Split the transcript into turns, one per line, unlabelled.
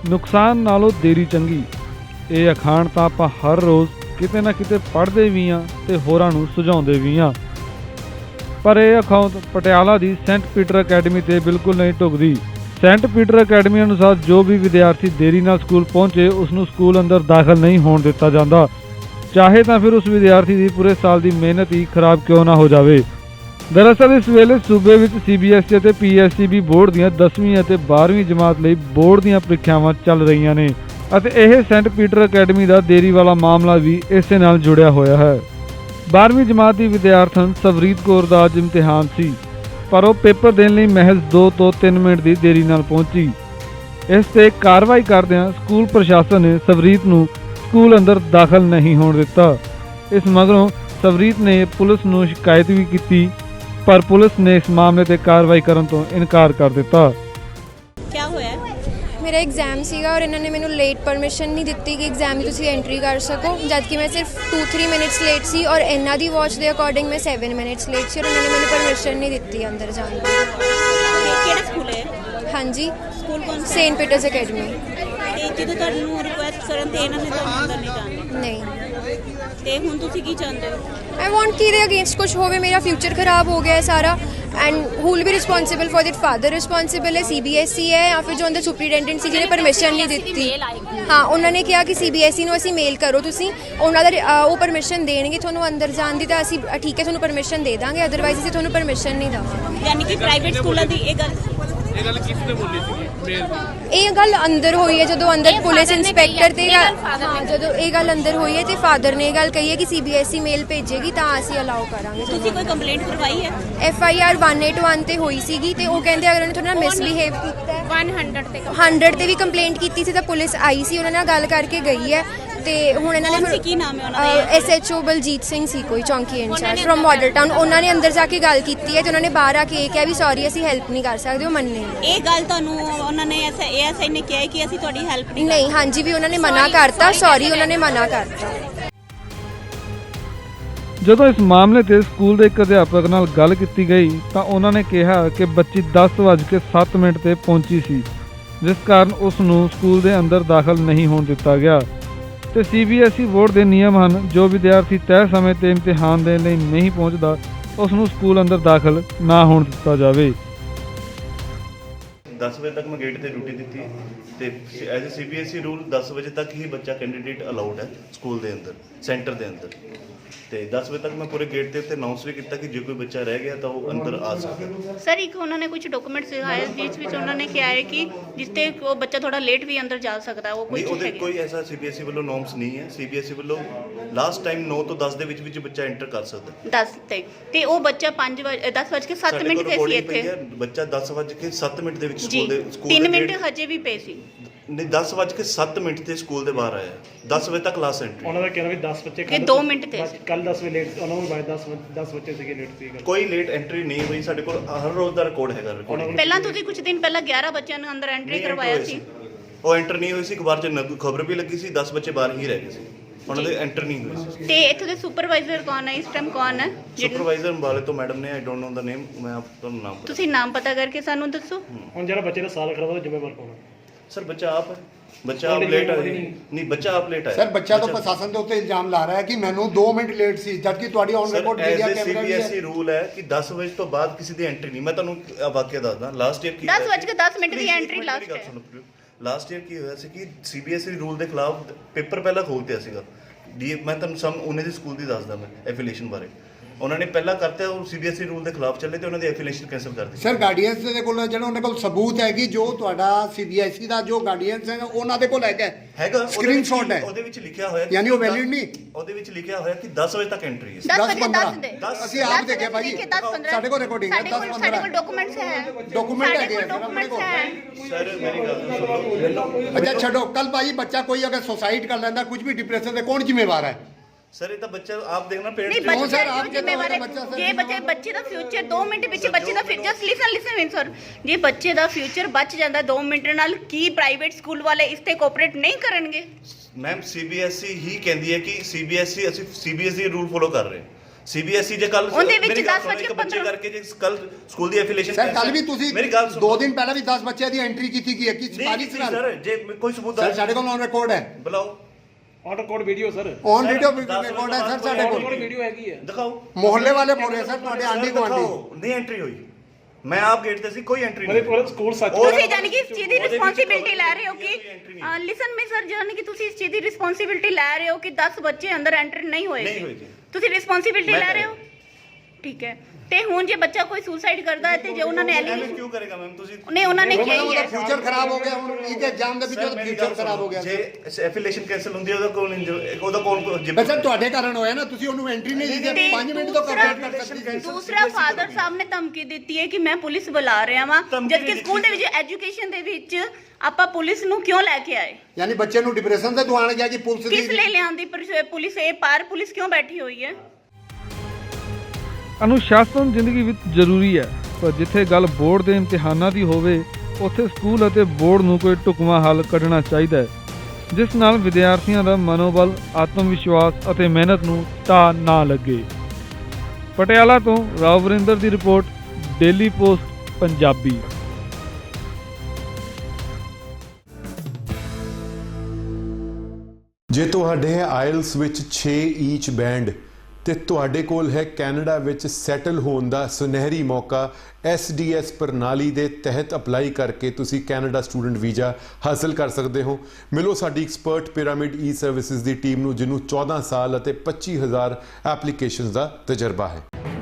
ਨੁਕਸਾਨ ਨਾਲੋਂ ਦੇਰੀ ਚੰਗੀ। ਇਹ ਅਖਾਣ ਤਾਂ ਆਪਾਂ ਹਰ ਰੋਜ਼ ਕਿਤੇ ਨਾ ਕਿਤੇ ਪੜ੍ਹਦੇ ਵੀ ਹਾਂ ਤੇ ਹੋਰਾਂ ਨੂੰ ਸੁਝਾਉਂਦੇ ਵੀ ਹਾਂ, ਪਰ ਇਹ ਅਖਾਉਂ ਪਟਿਆਲਾ ਦੀ ਸੈਂਟ ਪੀਟਰ ਅਕੈਡਮੀ ਤੇ ਬਿਲਕੁਲ ਨਹੀਂ ਢੁਕਦੀ। ਸੈਂਟ ਪੀਟਰ ਅਕੈਡਮੀ ਅਨੁਸਾਰ ਜੋ ਵੀ ਵਿਦਿਆਰਥੀ ਦੇਰੀ ਨਾਲ ਸਕੂਲ ਪਹੁੰਚੇ ਉਸ ਨੂੰ ਸਕੂਲ ਅੰਦਰ ਦਾਖਲ ਨਹੀਂ ਹੋਣ ਦਿੱਤਾ ਜਾਂਦਾ, ਚਾਹੇ ਤਾਂ ਫਿਰ ਉਸ ਵਿਦਿਆਰਥੀ ਦੀ ਪੂਰੇ ਸਾਲ ਦੀ ਮਿਹਨਤ ਹੀ ਖਰਾਬ ਕਿਉਂ ਨਾ ਹੋ ਜਾਵੇ। ਦਰਅਸਲ ਇਸ ਵੇਲੇ ਸੂਬੇ ਵਿੱਚ CBSE ਅਤੇ PSEB ਬੋਰਡ ਦੀਆਂ 10ਵੀਂ ਅਤੇ 12ਵੀਂ ਜਮਾਤ ਲਈ ਬੋਰਡ ਦੀਆਂ ਪ੍ਰੀਖਿਆਵਾਂ ਚੱਲ ਰਹੀਆਂ ਨੇ ਅਤੇ ਇਹ ਸੈਂਟ ਪੀਟਰ ਅਕੈਡਮੀ ਦਾ ਦੇਰੀ ਵਾਲਾ ਮਾਮਲਾ ਵੀ ਇਸੇ ਨਾਲ ਜੁੜਿਆ ਹੋਇਆ ਹੈ। 12ਵੀਂ ਜਮਾਤ ਦੀ ਵਿਦਿਆਰਥਣ ਸਵਰੀਤ ਕੌਰ ਦਾ ਅੱਜ ਇਮਤਿਹਾਨ ਸੀ, ਪਰ ਉਹ ਪੇਪਰ ਦੇਣ ਲਈ ਮਹਿਜ਼ 2 ਤੋਂ 3 ਮਿੰਟ ਦੀ ਦੇਰੀ ਨਾਲ ਪਹੁੰਚੀ। ਇਸ ਤੇ ਕਾਰਵਾਈ ਕਰਦਿਆਂ ਸਕੂਲ ਪ੍ਰਸ਼ਾਸਨ ਨੇ ਸਵਰੀਤ ਨੂੰ ਸਕੂਲ ਅੰਦਰ ਦਾਖਲ ਨਹੀਂ ਹੋਣ ਦਿੱਤਾ। ਇਸ ਮਗਰੋਂ ਸਵਰੀਤ ਨੇ ਪੁਲਿਸ ਨੂੰ ਸ਼ਿਕਾਇਤ ਵੀ ਕੀਤੀ, ਪਰ ਪੁਲਿਸ ਨੇ ਇਸ ਮਾਮਲੇ ਤੇ ਕਾਰਵਾਈ ਕਰਨ ਤੋਂ ਇਨਕਾਰ ਕਰ ਦਿੱਤਾ।
क्या होया?
मेरा एग्जाम सीगा और इन्होंने मैंने लेट परमिशन नहीं दी कि एग्जाम में तुसीं एंट्री कर सको, जबकि मैं सिर्फ 2-3 मिनट्स लेट सी और इन्हां दी वॉच दे अकॉर्डिंग मैं 7 मिनट्स लेट सी और उन्होंने मैंने परमिशन नहीं दी अंदर जाने दी।
ਕਿਹੜਾ ਸਕੂਲ ਹੈ?
हाँ जी,
ਸਕੂਲ ਕੌਣ ਸਾ?
Saint Peter's academy.
ਤੇ ਜਦੋਂ ਤੁਹਾਨੂੰ ਰਿਕੁਐਸਟ ਕਰਨ ਤੇ ਇਹਨਾਂ ਨੇ ਤੁਹਾਨੂੰ ਅੰਦਰ ਨਹੀਂ ਜਾਣ
नहीं,
ਤੇ ਹੁਣ ਤੁਸੀਂ ਕੀ ਚਾਹੁੰਦੇ ਹੋ?
आई वॉन्ट कि अगेंस्ट कुछ होवे, मेरा फ्यूचर खराब हो गया है सारा। And who will be responsible for that? Father responsible है, CBSE है या फिर जो अंदर सुपरिटेंडेंट सी जिन्हें परमिशन नहीं दी। हाँ, उन्होंने कहा कि CBSE ਨੂੰ ਅਸੀਂ ਮੇਲ ਕਰੋ, ਤੁਸੀਂ ਉਹਨਾਂ ਦਾ ਉਹ ਪਰਮਿਸ਼ਨ ਦੇਣਗੇ ਤੁਹਾਨੂੰ ਅੰਦਰ ਜਾਣ ਦੀ, ਤਾਂ ਅਸੀਂ ਠੀਕ ਹੈ ਤੁਹਾਨੂੰ ਪਰਮਿਸ਼ਨ ਦੇ ਦਾਂਗੇ, ਅਦਰਵਾਈਜ਼ ਅਸੀਂ ਤੁਹਾਨੂੰ ਪਰਮਿਸ਼ਨ ਨਹੀਂ ਦੇਵਾਂਗੇ।
ਯਾਨੀ ਕਿ ਪ੍ਰਾਈਵੇਟ ਸਕੂਲਾਂ ਦੀ ਇਹ ਗੱਲ
ਇਹ ਗੱਲ ਅੰਦਰ ਹੋਈ ਹੈ ਜਦੋਂ ਅੰਦਰ ਪੁਲਿਸ ਇੰਸਪੈਕਟਰ ਤੇ ਜਦੋਂ ਇਹ ਗੱਲ ਅੰਦਰ ਹੋਈ ਹੈ ਤੇ ਫਾਦਰ ਨੇ ਇਹ ਗੱਲ ਕਹੀ ਹੈ ਕਿ CBSE ਮੇਲ ਭੇਜੇਗੀ ਤਾਂ ਅਸੀਂ ਅਲਾਉ ਕਰਾਂਗੇ।
ਤੁਸੀਂ ਕੋਈ ਕੰਪਲੇਂਟ ਕਰਵਾਈ ਹੈ?
FIR 181 ਤੇ ਹੋਈ ਸੀਗੀ ਤੇ ਉਹ ਕਹਿੰਦੇ ਅਗਰ ਉਹਨੇ ਤੁਹਾਡੇ ਨਾਲ ਮਿਸਬਿਹੇਵ ਕੀਤਾ ਹੈ 100 ਤੇ ਵੀ ਕੰਪਲੇਂਟ ਕੀਤੀ ਸੀ ਤਾਂ ਪੁਲਿਸ ਆਈ ਸੀ, ਉਹਨਾਂ ਨਾਲ ਗੱਲ ਕਰਕੇ ਗਈ ਹੈ ਤੇ ਹੁਣ ਇਹਨਾਂ ਨੇ
ਕੀ ਨਾਮ ਹੈ ਉਹਨਾਂ ਦਾ?
SHO ਬਲਜੀਤ ਸਿੰਘ ਸੀ ਕੋਈ ਚੌਂਕੀ ਇੰਚਾਰਜ ਫਰਮ ਮਾਡਲ ਟਾਊਨ। ਉਹਨਾਂ ਨੇ ਅੰਦਰ ਜਾ ਕੇ ਗੱਲ ਕੀਤੀ ਹੈ ਤੇ ਉਹਨਾਂ ਨੇ ਬਾਹਰ ਆ ਕੇ ਇਹ ਕਿਹਾ ਵੀ ਸੌਰੀ ਅਸੀਂ ਹੈਲਪ ਨਹੀਂ ਕਰ ਸਕਦੇ, ਉਹ ਮੰਨੇ
ਇਹ ਗੱਲ ਤੁਹਾਨੂੰ ਉਹਨਾਂ ਨੇ ASI ਨੇ ਕਿਹਾ ਕਿ ਅਸੀਂ ਤੁਹਾਡੀ ਹੈਲਪ
ਨਹੀਂ। ਹਾਂਜੀ ਵੀ ਉਹਨਾਂ ਨੇ ਮਨਾ ਕਰਤਾ, ਸੌਰੀ ਉਹਨਾਂ ਨੇ ਮਨਾ ਕਰਤਾ।
ਜਦੋਂ ਇਸ ਮਾਮਲੇ ਤੇ ਸਕੂਲ ਦੇ ਇੱਕ ਅਧਿਆਪਕ ਨਾਲ ਗੱਲ ਕੀਤੀ ਗਈ ਤਾਂ ਉਹਨਾਂ ਨੇ ਕਿਹਾ ਕਿ ਬੱਚੀ 10:07 ਤੇ ਪਹੁੰਚੀ ਸੀ, ਜਿਸ ਕਾਰਨ ਉਸ ਨੂੰ ਸਕੂਲ ਦੇ ਅੰਦਰ ਦਾਖਲ ਨਹੀਂ ਹੋਣ ਦਿੱਤਾ ਗਿਆ ਤੇ CBSE ਬੋਰਡ ਦੇ ਨਿਯਮ ਹਨ, ਜੋ ਵਿਦਿਆਰਥੀ ਤੈਅ ਸਮੇਂ ਤੇ ਇਮਤਿਹਾਨ ਦੇਣ ਲਈ ਨਹੀਂ ਪਹੁੰਚਦਾ ਉਸ ਨੂੰ ਸਕੂਲ ਅੰਦਰ ਦਾਖਲ ਨਾ ਹੋਣ ਦਿੱਤਾ ਜਾਵੇ।
10 ਵਜੇ ਤੱਕ ਮੈਂ ਗੇਟ ਤੇ ਡਿਊਟੀ ਦਿੱਤੀ ਤੇ ਐਜ਼ ਅ CBSE ਰੂਲ 10 ਵਜੇ ਤੱਕ ਹੀ ਬੱਚਾ ਕੈਂਡੀਡੇਟ ਅਲਾਉਡ ਹੈ ਸਕੂਲ ਦੇ ਅੰਦਰ, ਸੈਂਟਰ ਦੇ ਅੰਦਰ। ਤੇ 10 ਵਜੇ ਤੱਕ ਮੈਂ ਪੂਰੇ ਗੇਟ ਦੇ ਉੱਤੇ ਅਨਾਉਂਸ ਵੀ ਕੀਤਾ ਕਿ ਜੇ ਕੋਈ ਬੱਚਾ ਰਹਿ ਗਿਆ ਤਾਂ ਉਹ ਅੰਦਰ ਆ ਸਕਦਾ।
ਸਰ ਇੱਕ ਉਹਨਾਂ ਨੇ ਕੁਝ ਡਾਕੂਮੈਂਟਸ ਦਿਖਾਏ ਜਿਸ ਵਿੱਚ ਉਹਨਾਂ ਨੇ ਕਿਹਾ ਹੈ ਕਿ ਜਿਸ ਤੇ ਉਹ ਬੱਚਾ ਥੋੜਾ ਲੇਟ ਵੀ ਅੰਦਰ ਜਾ ਸਕਦਾ, ਉਹ ਕੁਝ
ਉਹਦੇ
ਹੈਗੇ?
ਕੋਈ ਐਸਾ CBSE ਵੱਲੋਂ ਨੋਰਮਸ ਨਹੀਂ ਹੈ। CBSE ਵੱਲੋਂ ਲਾਸਟ ਟਾਈਮ 9 ਤੋਂ 10 ਦੇ ਵਿੱਚ ਬੱਚਾ ਐਂਟਰ ਕਰ ਸਕਦਾ
10 ਤੇ ਉਹ ਬੱਚਾ 10:07 ਤੇ ਸੀ ਇੱਥੇ।
ਬੱਚਾ 10:07 ਦੇ ਵਿੱਚ
ਜੀ,
ਸਕੂਲ ਦੇ
3 ਮਿੰਟ ਹਜੇ ਵੀ ਪਏ ਸੀ।
ਨਹੀਂ 10:07 ਤੇ ਸਕੂਲ ਦੇ ਬਾਹਰ ਆਇਆ। 10 ਵਜੇ ਤੱਕ ਕਲਾਸ ਐਂਟਰੀ।
ਉਹਨਾਂ ਦਾ ਕਹਿਣਾ ਵੀ 10 ਬੱਚੇ
ਕਿ 2 ਮਿੰਟ ਤੇ ਸੀ।
ਕੱਲ 10 ਵਜੇ ਲੇਟ, ਉਹਨਾਂ ਨੂੰ ਬਾਅਦ 10 ਬੱਚੇ ਸੀਗੇ ਲੇਟ ਸੀ।
ਕੋਈ ਲੇਟ ਐਂਟਰੀ ਨਹੀਂ ਹੋਈ। ਸਾਡੇ ਕੋਲ ਹਰ ਰੋਜ਼ ਦਾ ਰਿਕਾਰਡ ਹੈਗਾ।
ਪਹਿਲਾਂ ਤੁਸੀਂ ਕੁਝ ਦਿਨ ਪਹਿਲਾਂ 11 ਬੱਚਿਆਂ ਨੂੰ ਅੰਦਰ ਐਂਟਰੀ ਕਰਵਾਇਆ ਸੀ।
ਉਹ ਐਂਟਰ ਨਹੀਂ ਹੋਈ ਸੀ। ਅਖਬਾਰ 'ਚ ਖਬਰ ਵੀ ਲੱਗੀ ਸੀ 10 ਬੱਚੇ ਬਾਹਰ ਹੀ ਰਹਿ ਗਏ ਸੀ, ਉਹਨਾਂ ਦੇ ਐਂਟਰ ਨਹੀਂ ਹੋਏ ਸੀ।
ਤੇ ਇੱਥੇ ਦੇ ਸੁਪਰਵਾਈਜ਼ਰ ਕੌਣ ਹੈ ਇਸ ਟਾਈਮ? ਕੌਣ ਹੈ
ਸੁਪਰਵਾਈਜ਼ਰ ਅੰਬਾਲੇ ਤੋਂ ਮੈਡਮ ਨੇ, ਆਈ ਡੋਨਟ ਨੋ ਦਾ ਨੇਮ, ਮੈਂ ਤੁਹਾਨੂੰ ਨਾਮ
ਤੁਸੀਂ ਨਾਮ ਪਤਾ ਕਰਕੇ ਸਾਨੂੰ ਦੱਸੋ।
ਹੁਣ ਜਿਹੜਾ ਬੱਚੇ ਦਾ ਸਾਲ ਖਰਾਬ ਹੋਇਆ ਜ਼ਿੰਮੇਵਾਰ ਕੌਣ ਹੈ?
ਸਰ ਬੱਚਾ ਆਪ ਹੈ। ਬੱਚਾ ਆਪ ਲੇਟ ਆਇਆ ਨਹੀਂ, ਬੱਚਾ ਆਪ ਲੇਟ ਆਇਆ।
ਸਰ ਬੱਚਾ ਤਾਂ ਪ੍ਰਸ਼ਾਸਨ ਦੇ ਉੱਤੇ ਇਲਜ਼ਾਮ ਲਾ ਰਿਹਾ ਹੈ ਕਿ ਮੈਨੂੰ 2 ਮਿੰਟ ਲੇਟ ਸੀ, ਜਦਕਿ ਤੁਹਾਡੀ ਔਨ ਰਿਕਾਰਡ ਮੀਡੀਆ ਕੈਮਰਾ ਵੀ ਹੈ।
CBSE ਰੂਲ ਹੈ ਕਿ 10 ਵਜੇ ਤੋਂ ਬਾਅਦ ਕਿਸੇ ਦੀ ਐਂਟਰੀ ਨਹੀਂ। ਮੈਂ ਤੁਹਾਨੂੰ ਵਾਕਿਆ ਦੱਸਦਾ। ਲਾਸਟ ਈਅਰ ਕੀ
10:10 ਦੀ ਐਂਟਰੀ ਲਾਸਟ ਹੈ।
ਲਾਸਟ ਈਅਰ ਕੀ ਹੋਇਆ ਸੀ ਕਿ CBSE ਰੂਲ ਦੇ ਖਿਲਾਫ ਪੇਪਰ ਪਹਿਲਾਂ ਖੋਲ੍ਹਤਿਆ ਸੀਗਾ। ਮੈਂ ਤੁਹਾਨੂੰ ਸਮ ਉਹਨੇ ਦੀ ਸਕੂਲ ਦੀ ਦੱਸਦਾ ਮੈਂ ਐਫੀਲੀਏਸ਼ਨ ਬਾਰੇ। ਉਹਨਾਂ ਨੇ ਪਹਿਲਾਂ ਕਰਤਾ, ਉਹ CBSE ਰੂਲ ਦੇ ਖਿਲਾਫ ਚੱਲੇ ਤੇ ਉਹਨਾਂ ਦੀ ਐਫੀਲੀਏਸ਼ਨ ਕੈਂਸਲ ਕਰ ਦਿੱਤੀ।
ਸਰ ਗਾਰਡੀਅਨਸ ਦੇ ਕੋਲ ਜਿਹੜਾ ਉਹਨਾਂ ਕੋਲ ਸਬੂਤ ਹੈ ਕਿ ਜੋ ਤੁਹਾਡਾ CBSE ਦਾ ਜੋ ਗਾਰਡੀਅਨਸ ਹੈ ਉਹਨਾਂ ਦੇ ਕੋਲ ਹੈਗਾ ਸਕਰੀਨਸ਼ਾਟ ਹੈ।
ਉਹਦੇ ਵਿੱਚ ਲਿਖਿਆ ਹੋਇਆ
ਯਾਨੀ ਉਹ ਵੈਲਿਡ ਨਹੀਂ।
ਉਹਦੇ ਵਿੱਚ ਲਿਖਿਆ ਹੋਇਆ ਕਿ 10 ਵਜੇ ਤੱਕ ਐਂਟਰੀ ਹੈ।
10:15
ਅਸੀਂ ਆਪ ਦੇਖਿਆ ਭਾਈ, ਸਾਡੇ ਕੋਲ ਰਿਕਾਰਡਿੰਗ ਹੈ। 10:15
ਸਾਡੇ ਕੋਲ ਡਾਕੂਮੈਂਟਸ ਹੈ।
ਡਾਕੂਮੈਂਟ ਹੈਗੇ ਆ
ਡਾਕੂਮੈਂਟਸ ਹੈ।
ਸਰ ਮੇਰੀ ਗੱਲ ਸੁਣੋ।
ਅੱਛਾ ਛੱਡੋ, ਕੱਲ ਭਾਈ ਬੱਚਾ ਕੋਈ ਅਗਰ ਸੁਸਾਈਡ ਕਰ ਲੈਂਦਾ, ਕੁਝ ਵੀ ਡਿਪਰੈਸ਼ਨ ਦੇ, ਕੌਣ ਜ਼ਿੰਮੇਵਾਰ ਹੈ?
ਸਰ ਇਹ ਤਾਂ ਬੱਚਾ ਆਪ ਦੇਖਣਾ
ਨਹੀਂ
ਪੇਰੈਂਟਸ
ਬੱਚੇ
ਸਰ, ਆਪ
ਜ਼ਿੰਮੇਵਾਰ ਹੈ। ਜੇ ਬੱਚੇ ਦਾ ਫਿਊਚਰ 2 ਮਿੰਟ ਵਿੱਚ ਬੱਚੇ ਦਾ ਫਿਰ ਜਸਟ ਲਿਸਨ ਸਰ, ਜੇ ਬੱਚੇ ਦਾ ਫਿਊਚਰ ਬਚ ਜਾਂਦਾ 2 ਮਿੰਟ ਨਾਲ, ਕੀ ਪ੍ਰਾਈਵੇਟ ਸਕੂਲ ਵਾਲੇ ਇਸ ਤੇ ਕੋਆਪਰੇਟ ਨਹੀਂ ਕਰਨਗੇ?
ਮੈਮ CBSE ਹੀ ਕਹਿੰਦੀ ਹੈ ਕਿ CBSE ਅਸੀਂ CBSE ਰੂਲ ਫੋਲੋ ਕਰ ਰਹੇ ਹਾਂ। ਸੀਬੀਐਸਈ ਜੇ ਕੱਲ
ਉਹਦੇ ਵਿੱਚ 10 ਬੱਚੇ
ਬੱਚੇ ਕਰਕੇ ਜੇ ਕੱਲ ਸਕੂਲ ਦੀ ਐਫੀਲੀਏਸ਼ਨ
ਸਰ ਕੱਲ ਵੀ ਤੁਸੀਂ
ਮੇਰੀ ਗੱਲ ਸੁਣੋ
2 ਦਿਨ ਪਹਿਲਾਂ ਵੀ 10 ਬੱਚਿਆਂ ਦੀ ਐਂਟਰੀ ਕੀਤੀ ਗਈ ਹੈ ਕਿ
ਨਹੀਂ ਸਰ ਜੇ ਕੋਈ ਸਬੂਤ
ਸਰ ਸਾਡੇ ਕੋਲ ਔਨ ਰਿਕਾਰਡ ਹੈ
ਬੁਲਾਓ
on record video sir
on video record ਹੈ ਸਰ ਸਾਡੇ ਕੋਲ
ਵੀਡੀਓ ਹੈਗੀ ਹੈ
ਦਿਖਾਓ
ਮੁਹੱਲੇ ਵਾਲੇ ਬੋਲ ਰਹੇ ਸਰ ਤੁਹਾਡੇ ਆਂਢੀ ਗੁਆਂਢੀ
ਨਹੀਂ ਐਂਟਰੀ ਹੋਈ ਮੈਂ ਆਪ ਗੇਟ ਤੇ ਸੀ ਕੋਈ ਐਂਟਰੀ ਨਹੀਂ
ਮਤਲਬ ਸਕੂਲ ਸੱਚ
ਤੁਸੀਂ ਜਾਨੀ ਕਿ ਇਸ ਚੀਜ਼ ਦੀ ਰਿਸਪੌਂਸਿਬਿਲਟੀ ਲੈ ਰਹੇ ਹੋ ਕਿ ਲਿਸਨ ਮੀ ਸਰ ਜਾਨੀ ਕਿ ਤੁਸੀਂ ਇਸ ਚੀਜ਼ ਦੀ ਰਿਸਪੌਂਸਿਬਿਲਟੀ ਲੈ ਰਹੇ ਹੋ ਕਿ 10 ਬੱਚੇ ਅੰਦਰ ਐਂਟਰ ਨਹੀਂ ਹੋਏਗੇ ਤੁਸੀਂ ਰਿਸਪੌਂਸਿਬਿਲਟੀ ਲੈ ਰਹੇ ਹੋ ਠੀਕ ਹੈ ਤੇ ਹੁਣ ਜੇ ਬੱਚਾ ਕੋਈ ਸੁਸਾਈਡ ਕਰਦਾ ਹੈ ਤੇ ਜੇ ਉਹਨਾਂ ਨੇ ਐਲੀਗੇਸ਼ਨ
ਕਿਉਂ ਕਰੇਗਾ ਮੈਮ ਤੁਸੀਂ
ਨਹੀਂ ਉਹਨਾਂ ਨੇ ਕਿਹਾ ਹੀ ਹੈ
ਫਿਊਚਰ ਖਰਾਬ ਹੋ ਗਿਆ ਹੁਣ ਇਹ ਐਗਜ਼ਾਮ ਦੇ ਵਿੱਚ ਫਿਊਚਰ ਖਰਾਬ ਹੋ ਗਿਆ
ਜੇ ਐਫੀਲੀਏਸ਼ਨ ਕੈਂਸਲ ਹੁੰਦੀ ਹੈ ਉਹਦਾ ਕੌਣ
ਪਰ ਸਰ ਤੁਹਾਡੇ ਕਾਰਨ ਹੋਇਆ ਨਾ ਤੁਸੀਂ ਉਹਨੂੰ ਐਂਟਰੀ ਨਹੀਂ ਦਿੱਤੀ 5 ਮਿੰਟ ਤੋਂ ਕੰਪਲੀਟ ਕਰ ਸਕਦੀ ਸੀ
ਦੂਸਰਾ ਫਾਦਰ ਸਾਹਿਬ ਨੇ ਧਮਕੀ ਦਿੱਤੀ ਹੈ ਕਿ ਮੈਂ ਪੁਲਿਸ ਬੁਲਾ ਰਿਹਾ ਵਾਂ ਜਦਕਿ ਸਕੂਲ ਦੇ ਵਿੱਚ ਐਜੂਕੇਸ਼ਨ ਦੇ ਵਿੱਚ ਆਪਾਂ ਪੁਲਿਸ ਨੂੰ ਕਿਉਂ ਲੈ ਕੇ ਆਏ
ਯਾਨੀ ਬੱਚੇ ਨੂੰ ਡਿਪਰੈਸ਼ਨ ਤੇ ਦੁਆਣ ਗਿਆ ਕਿ ਪੁਲਿਸ
ਕਿਸ ਲਈ ਲਿਆਂਦੀ ਪੁਲਿਸ ਇਹ ਪਾਰ ਪੁਲਿਸ ਕਿਉਂ ਬੈਠੀ ਹੋਈ ਹੈ
ਅਨੁਸ਼ਾਸਨ ਜ਼ਿੰਦਗੀ ਵਿੱਚ ਜ਼ਰੂਰੀ ਹੈ, ਪਰ ਜਿੱਥੇ ਗੱਲ ਬੋਰਡ ਦੇ ਇਮਤਿਹਾਨਾਂ ਦੀ ਹੋਵੇ ਉੱਥੇ ਸਕੂਲ ਅਤੇ ਬੋਰਡ ਨੂੰ ਕੋਈ ਢੁਕਵਾਂ ਹੱਲ ਕੱਢਣਾ ਚਾਹੀਦਾ ਹੈ, ਜਿਸ ਨਾਲ ਵਿਦਿਆਰਥੀਆਂ ਦਾ ਮਨੋਬਲ, ਆਤਮ ਵਿਸ਼ਵਾਸ ਅਤੇ ਮਿਹਨਤ ਨੂੰ ਢਾਹ ਨਾ ਲੱਗੇ। ਪਟਿਆਲਾ ਤੋਂ ਰਾਵ ਵਰਿੰਦਰ ਦੀ ਰਿਪੋਰਟ, ਡੇਲੀ ਪੋਸਟ ਪੰਜਾਬੀ।
ਜੇ ਤੁਹਾਡੇ ਆਇਲਸ ਵਿੱਚ 6 ਈਚ ਬੈਂਡ ਤੇ ਤੁਹਾਡੇ ਕੋਲ ਹੈ ਕੈਨੇਡਾ ਵਿੱਚ ਸੈਟਲ ਹੋਣ ਦਾ ਸੁਨਹਿਰੀ ਮੌਕਾ, SDS ਪ੍ਰਣਾਲੀ ਦੇ ਤਹਿਤ ਅਪਲਾਈ ਕਰਕੇ ਤੁਸੀਂ ਕੈਨੇਡਾ ਸਟੂਡੈਂਟ ਵੀਜ਼ਾ ਹਾਸਲ ਕਰ ਸਕਦੇ ਹੋ। ਮਿਲੋ ਸਾਡੀ ਐਕਸਪਰਟ ਪਿਰਾਮਿਡ ਈ ਸਰਵਿਸਿਜ਼ ਦੀ ਟੀਮ ਨੂੰ, ਜਿਹਨੂੰ 14 ਸਾਲ ਅਤੇ 25,000 ਐਪਲੀਕੇਸ਼ਨਸ ਦਾ ਤਜਰਬਾ ਹੈ।